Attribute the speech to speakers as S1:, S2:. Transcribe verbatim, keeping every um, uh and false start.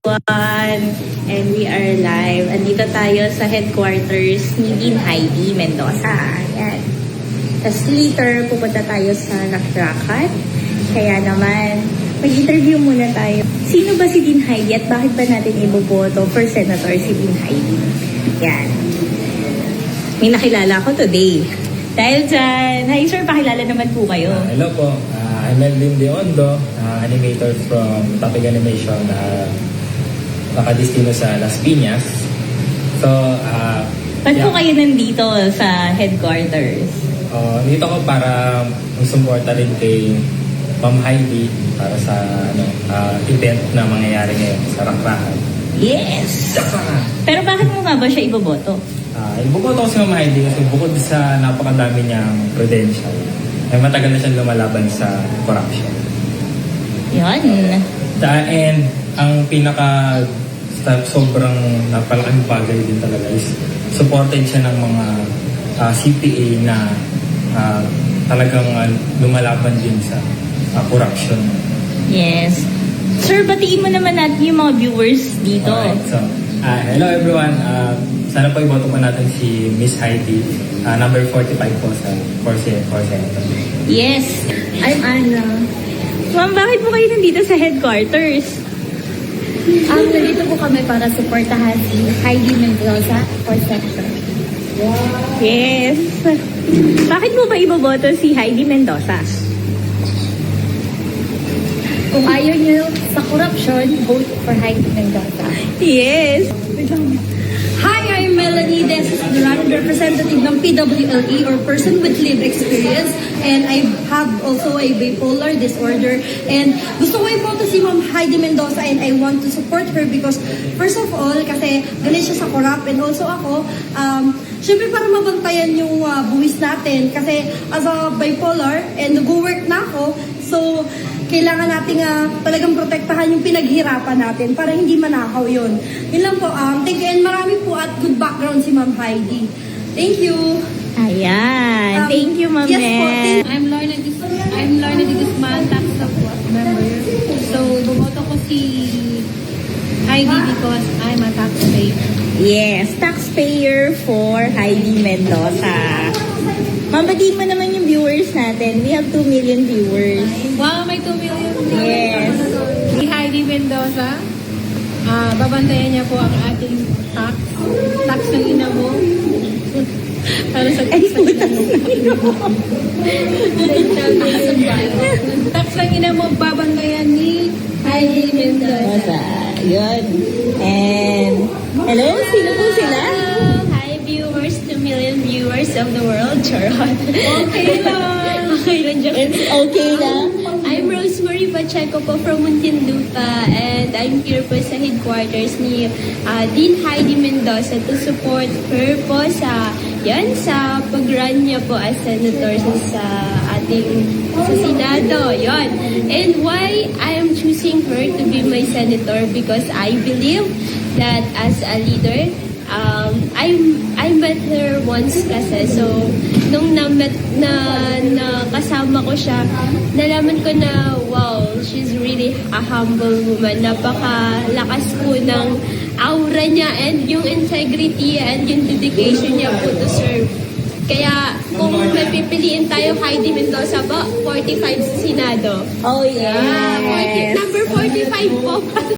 S1: everyone! And we are live. Andito tayo sa headquarters ni Dean Heidi Mendoza. Ayan. Tapos later, pupunta tayo sa Nakrakat. Kaya naman, mag-interview muna tayo. Sino ba si Dean Heidi at bakit ba natin iboboto for senator si Dean Heidi? Yan. May nakilala ko today. Dahil dyan, hi sir, pakilala naman po kayo.
S2: Uh, hello po, uh, I'm Melvin Deondo, uh, animator from Topic Animation, uh, nakadistino sa Las Piñas. So, uh,
S1: Ba't
S2: yeah,
S1: po kayo nandito sa headquarters?
S2: uh, dito ko para mag-suporta rin kay Ma'am Heidi para sa ano, uh, event na mangyayari ngayon sa Rakrakan.
S1: Yes! Pero bakit mo nga ba siya iboboto?
S2: Uh, ibuboto ko si Ma'am Heidi kasi bukod sa napakadami niyang credential, ay matagal na siyang lumalaban sa corruption.
S1: Yun.
S2: The, and ang pinaka sobrang napalaking bagay din talaga is supported siya ng mga uh, C P A na uh, talagang uh, lumalaban din sa uh, corruption.
S1: Yes. Sir, batiin mo naman natin yung mga viewers dito.
S2: Alright, so, uh, hello everyone. Uh, sana po iboto po natin si Miss Heidi, uh, number forty-five po sa for Senator.
S1: Yes. I'm Anna. Ma'am, bakit po kayo nandito sa headquarters?
S3: Um, nandito po kami para suportahan si Heidi Mendoza for senator.
S1: Yes. Bakit mo ba iboboto si Heidi Mendoza?
S3: Kung ayaw niyo sa corruption, vote for Heidi Mendoza.
S1: Yes.
S4: Hi, I'm Melanie Desus Duran, representative ng P W L E or Person with Lived Experience, and I have also a bipolar disorder. And gusto ko iboto si Ma'am Heidi Mendoza and I want to support her because first of all, kasi galit siya sa corrupt, and also ako, um, syempre para mabantayan yung uh, buwis natin kasi as a bipolar and nag-work na ako, so kailangan nating uh, talagang protektahan yung pinaghirapan natin para hindi manakaw yun. Yun lang po. Um, thank you and marami po at good background si Ma'am Heidi. Thank you.
S1: Ayan.
S4: Um,
S1: Thank you, Ma'am
S4: yes po,
S1: Mel.
S5: I'm Lorna Dis I'm Lorna de Guzman, tax support member. So, bumoto ko si Heidi because I'm a taxpayer.
S1: Yes. Taxpayer for Heidi Mendoza. Ma'am, batiin mo naman yung viewers natin. We have two million viewers.
S5: Wow, may two million.
S1: Yes.
S5: Si Heidi Mendoza, ah babantayan niya po ang ating tax. Tax ng ina mo. Para sa tax ng ina mo. Tax ng ina mo, babantayan ni Heidi Mendoza.
S1: Mendoza. Yun. And, hello? Sino po sila?
S6: Hi viewers, two million viewers of the world, Charot.
S5: Okay lang.
S6: Okay lang, joke.
S1: It's okay lang.
S6: I'm Rosemary Pacheco po from Muntinlupa and I'm here po sa headquarters ni uh, Dean Heidi Mendoza to support her po sa yan sa pag-run niya po as senator sa ating sa Senado. Yon. And why I am choosing her to be my senator because I believe that as a leader, Um, I I met her once kasi. So, nung na-met, na, na kasama ko siya, nalaman ko na, wow, she's really a humble woman. Napakalakas po ng aura niya and yung integrity and yung dedication niya po to serve. Kaya, kung may pipiliin tayo, Heidi Mendoza po, forty-five sa Senado.
S1: Oh, yes.
S6: Ah, forty, number forty-five po.